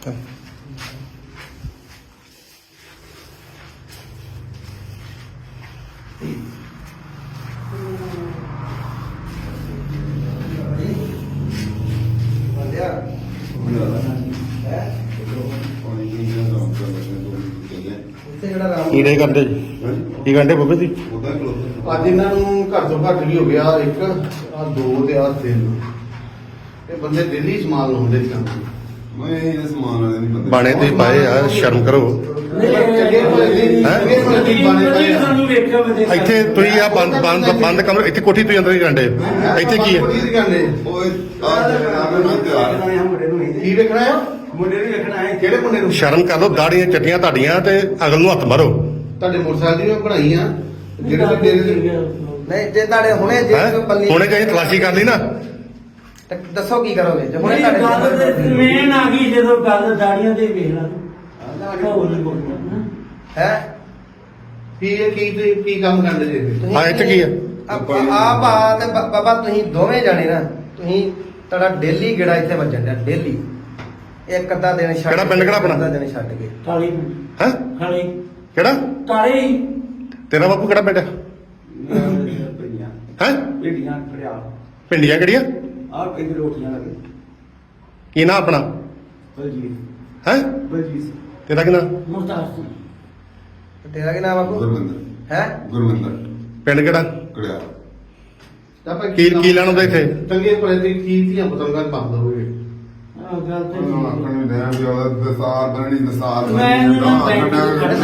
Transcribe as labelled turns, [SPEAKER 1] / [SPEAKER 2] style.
[SPEAKER 1] ਕੀ ਕਰਦੇ ਜੀ? ਕੀ ਕਰਦੇ ਬਾਬੇ ਜੀ?
[SPEAKER 2] ਅੱਜ ਇਹਨਾਂ ਨੂੰ ਘੱਟ ਤੋਂ ਘੱਟ ਵੀ ਹੋ ਗਿਆ ਇੱਕ ਆ ਦੋ ਤੇ ਆ ਤਿੰਨ ਇਹ ਬੰਦੇ ਦਿੱਲੀ ਸਮਾਨ ਲਾਉਂਦੇ ਸਨ।
[SPEAKER 3] ਮੈਂ ਇਹ ਸਮਾਨ ਵਾਲੇ ਨਹੀਂ ਬੰਦੇ
[SPEAKER 1] ਬਾਣੇ ਤੇ ਪਾਏ ਆ, ਸ਼ਰਮ ਕਰੋ। ਇੱਥੇ ਤੁਸੀਂ ਆ ਬੰਦ ਕਮਰੇ, ਇੱਥੇ ਕੋਠੀ ਤੁਸੀਂ ਅੰਦਰ ਹੀ ਗੰਡੇ, ਇੱਥੇ ਕੀ ਹੈ?
[SPEAKER 3] ਓਏ ਆ
[SPEAKER 2] ਕੀ ਵੇਖਣਾ ਆ?
[SPEAKER 4] ਮੁੰਡੇ ਨੂੰ ਵੇਖਣਾ ਹੈ।
[SPEAKER 2] ਕਿਹੜੇ ਮੁੰਡੇ ਨੂੰ?
[SPEAKER 1] ਸ਼ਰਮ ਕਰ ਲਓ, ਦਾੜੀਆਂ ਚੱਟੀਆਂ ਤੁਹਾਡੀਆਂ ਤੇ ਅਗਲ ਨੂੰ ਹੱਥ ਮਾਰੋ।
[SPEAKER 2] ਤੁਹਾਡੇ ਮੋਟਰਸਾਈਕਲ ਦੀਆਂ ਬਣਾਈਆਂ ਜਿਹੜੇ ਵੀ ਡੇਰੇ ਦੇ
[SPEAKER 5] ਨਹੀਂ ਜੇ ਤੁਹਾਡੇ ਹੁਣੇ ਜੇ
[SPEAKER 1] ਹੈਂ?
[SPEAKER 5] ਪੱਲੀ
[SPEAKER 1] ਹੁਣੇ ਜੇ ਅਸੀਂ ਤਲਾਸ਼ੀ ਕਰ ਲਈ ਨਾ,
[SPEAKER 5] ਤੇ ਦੱਸੋ ਕੀ ਕਰੋਗੇ ਜੇ ਹੁਣੇ
[SPEAKER 4] ਨਹੀਂ ਗੱਲ
[SPEAKER 5] ਤੁਹਾਡੇ
[SPEAKER 4] ਤੇ ਮੇਨ ਆ ਗਈ ਜਦੋਂ ਗੱਲ ਦਾੜੀਆਂ ਤੇ ਵੇਖ ਲਾ ਹੋਰ ਨਹੀਂ ਬੋਲਣਾ
[SPEAKER 5] ਹੈ
[SPEAKER 2] ਕੀ ਇਹ ਕੀ ਕੰਮ ਕਰਦੇ ਜੇ?
[SPEAKER 1] ਹਾਂ ਇੱਥੇ ਕੀ ਹੈ?
[SPEAKER 5] ਆਪ ਆ ਤੇ ਬਾਬਾ ਤੁਸੀਂ ਦੋਵੇਂ ਜਾਣੇ ਨਾ, ਤੁਸੀਂ ਤੁਹਾਡਾ ਡੇਲੀ ਗੇੜਾ ਇੱਥੇ ਵੱਜਣ ਡਿਆ ਡੇਲੀ। ਇੱਕ ਅੱਧਾ ਦਿਨ ਛੱਡ
[SPEAKER 1] ਕਿਹੜਾ ਪਿੰਡ, ਕਿਹੜਾ ਆਪਣਾ?
[SPEAKER 5] ਅੱਧਾ ਦਿਨ ਛੱਡ ਕੇ
[SPEAKER 4] ਕਾਲੀ
[SPEAKER 1] ਹੈ
[SPEAKER 4] ਕਾਲੀ
[SPEAKER 1] ਕਿਹੜਾ
[SPEAKER 4] ਕਾਲੇ ਹੀ
[SPEAKER 1] ਤੇਰਾ ਬਾਪੂ ਕਿਹੜਾ ਪਿੰਡ ਹੈ?
[SPEAKER 4] ਭੇਡੀਆਂ ਖੜਿਆ
[SPEAKER 1] ਪਿੰਡੀਆਂ ਕਿਹੜੀਆਂ?
[SPEAKER 4] ਆ ਕਿੰਨੇ ਰੋਟੀਆਂ ਲੱਗੇ
[SPEAKER 1] ਕੀ ਨਾਂ ਆਪਣਾ?
[SPEAKER 4] ਬਲਜੀਤ
[SPEAKER 1] ਹੈ
[SPEAKER 4] ਬਲਜੀਤ
[SPEAKER 1] ਤੇਰਾ ਕੀ ਨਾਂ?
[SPEAKER 4] ਮੁਰਤਾਜ ਸਿੰਘ
[SPEAKER 5] ਤੇਰਾ ਕੀ ਨਾਮ ਬਾਪੂ
[SPEAKER 3] ਗੁਰਵਿੰਦਰ
[SPEAKER 5] ਹੈ?
[SPEAKER 3] ਗੁਰਵਿੰਦਰ
[SPEAKER 1] ਪਿੰਡ ਕਿਹੜਾ?
[SPEAKER 3] ਕੜਿਆ
[SPEAKER 2] ਆਪਾਂ
[SPEAKER 1] ਕੀ ਲੈਣ ਆਉਂਦਾ ਇੱਥੇ?
[SPEAKER 2] ਚੰਗੇ ਭਲੇ ਦੀ ਕੀ ਧੀਆਂ ਪਤੰਗਾਂ ਬੰਦ ਹੋਏ।
[SPEAKER 4] ਆ ਗੱਲ ਤੇ
[SPEAKER 3] ਆਖਣ ਨੂੰ ਦੇਣ ਵੀ ਉਹਦਾ ਦਸਾਰ ਬਣਨੀ ਦਸਾਰ
[SPEAKER 4] ਮੈਂ ਇਹਨੂੰ ਨਾ ਬੈਂਕ